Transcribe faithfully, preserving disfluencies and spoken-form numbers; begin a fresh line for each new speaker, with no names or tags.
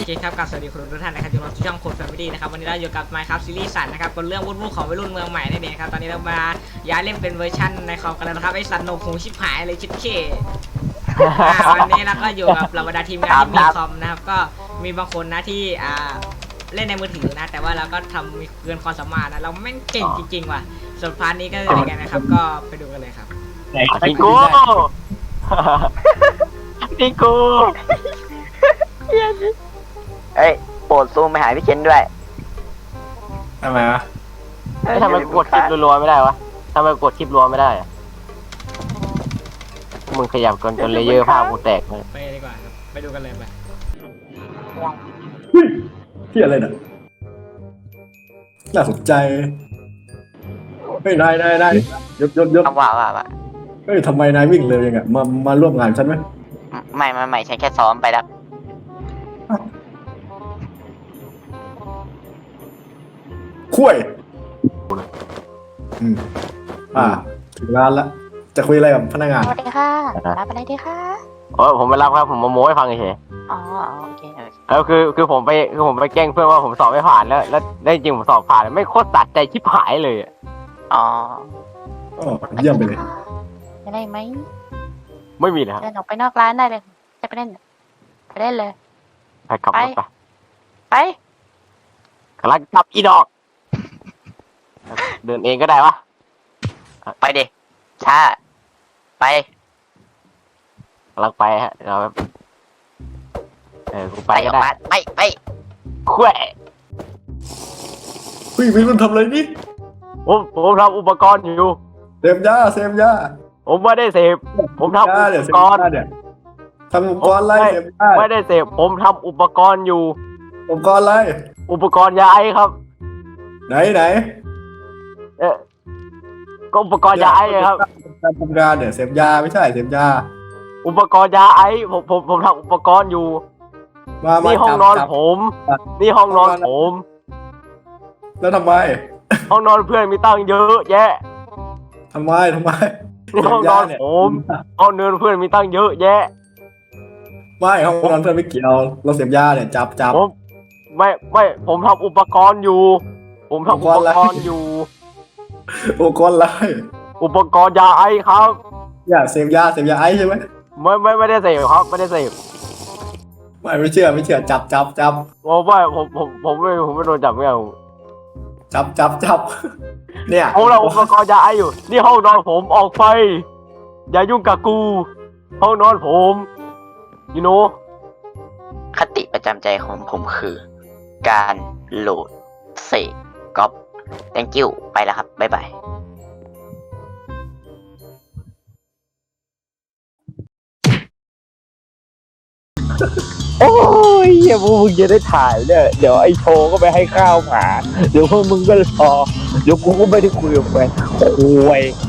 เคครับกับสวัสดีคุณทุกท่านนะครับอยู่ในช่องโค้ดแฟมิลี่นะครับวันนี้เราอยู่กับ Minecraft ซีรีส์สันนะครับบนเรื่องวุ่นๆของวัยรุ่นเมืองใหม่นั่นเองครับตอนนี้เรามาย้ายเล่นเป็นเวอร์ชันในคอมกันแล้วนะครับไอ้สันโนคงชิบหายเลยชิบเช่วันนี้เราก็อยู่กับเหล่าบรรดาทีมงานที่มีคอมนะครับก็มีบางคนนะที่อ่าเล่นในมือถือนะแต่ว่าเราก็ทำมีเกินความสามารถนะเราแม่งเก่งจริงๆว่ะส่วนพาร์ทนี้ก็จะเป็นยังไงนะครับก็ไปดูกันเลยครับ
นิโก้นิโก้เอ้ยโปรดซูมไปหาพี่เคนด้วย
ทำไมวะ
เฮ้ยทำไมกดคลิปรัวๆไม่ได้วะทำไมกดคลิปรัวไม่ได้อะมึงขยับจนจนเลเยอร์ภาพกูแตกเลย
ไปดีกว่าครับไปดูกันเลยไป
เฮ้ยที่อะไรน่ะน่าสนใจเฮ้ยนายนายนายยศยศยศ
เอาว่าว่าว่า
เฮ้ยทำไมนายวิ่งเร็วยังไงมามาร่วมงานฉันไหม
ไม่ไม่ไม่ฉันแค่ซ้อมไปแล้ว
คุยอืมอ่าถึงร้านละจะคุยอะไรกับพนักงาน
สวัสดีค่ะรับอะไรดีคะ
โอ้ยผมไม่รับครับผมมาโม้ให้ฟังเฉย
อ๋อโอเคโอเค
แล้วคือคือผมไปคือผมไปแกล้งเพื่อนว่าผมสอบไม่ผ่านแล้วแล้วได้จริงผมสอบผ่านไม่โคตรตัดใจชิบหายเลยอ๋อ
อ๋อเยี่ยมไปเลย
จะได้ไหม
ไม่มีเลยครับ
เดินออกไปนอกร้านได้เลยจะไปเล่นไปเล่นเลย
ไปขับรถไป
ไป
กำลังกลับอีดอก เดินเองก็ได้วะไปดิช้าไปกำลังไปฮะเราเออกูไปก็ได้ไปไปคุย
เฮ้ยวิรุ่นทำอะไรนี่
ผมผมทำอุปกรณ์อยู่
เสพยาเสพยา
ผมไม่ได้เสพผมทำอุ
ยาเดี๋ยว
ป
เสพ
กรณ์
ยาเนี่ยทำอุปกรณ์อะไรเสพยา
ไม่ได้เสพผมทำอุปกรณ์อยู่
อุปกรณ์อะไร
อุปกรณ์ยาไอครับ
ไหนไหน
เออก็อุปกรณ์ยาไอครับ
การทำงานเนี่ยเสพยาไม่ใช่เสพยา
อุปกรณ์ยาไอผมผมผมทำอุปกรณ์อยู่
มามา
นี่ห้อง
จับ
นอน
จับ
ผม นี่ห้องนอนผม
แล้วทำไม
ห้องนอนเพื่อนมีตั้งเยอะแยะ
ทำไมทำไม
นี่ห้องนอนผมห้องนอนเพื่อนมีตั้งเยอะแยะ
ไม่ห้องนอนเพื่อนไม่เกี่ยวเราเสพยาเนี่ยจับจับ
ผมไม่ไม่ผมทำอุปกรณ์อยู่ ผมทำ
อุ
อุ
ป
ป
กรณ์อะไร
กรณ์อยู่
อุปกรณ์อะไร
อุปกรณ์ยาไอครับ
อย่าเสพยาเสพยาไอใช่ไหม
ไม่ไม่ไม่ได้เสพครับ ไม่ได้เสพ
ไม่ไม่เชื่อไม่เชื่อจับจับจับ
ผมไม่ผมผมผมไม่ผมไม่โดนจับไม่เอา
จับจับจับเนี่ย
ผมเราอุปกรณ์ยาไออยู่ นี่ห้องนอนผมออกไป อย่ายุ่งกับกู ห้องนอนผมยูโนคติประจำใจของผมคือ การโหลดเสกก๊อป thank you ไปแล้วครับ บ๊ายบาย
โอ้ยเฮียพวกมึงจะได้ถ่ายเนี่ยเดี๋ยวไอ้โชก็ไปให้ข้าวหมาเดี๋ยวพวกมึงก็รอเดี๋ยวกูก็ไม่ได้คุยกับแฟนโอ้ย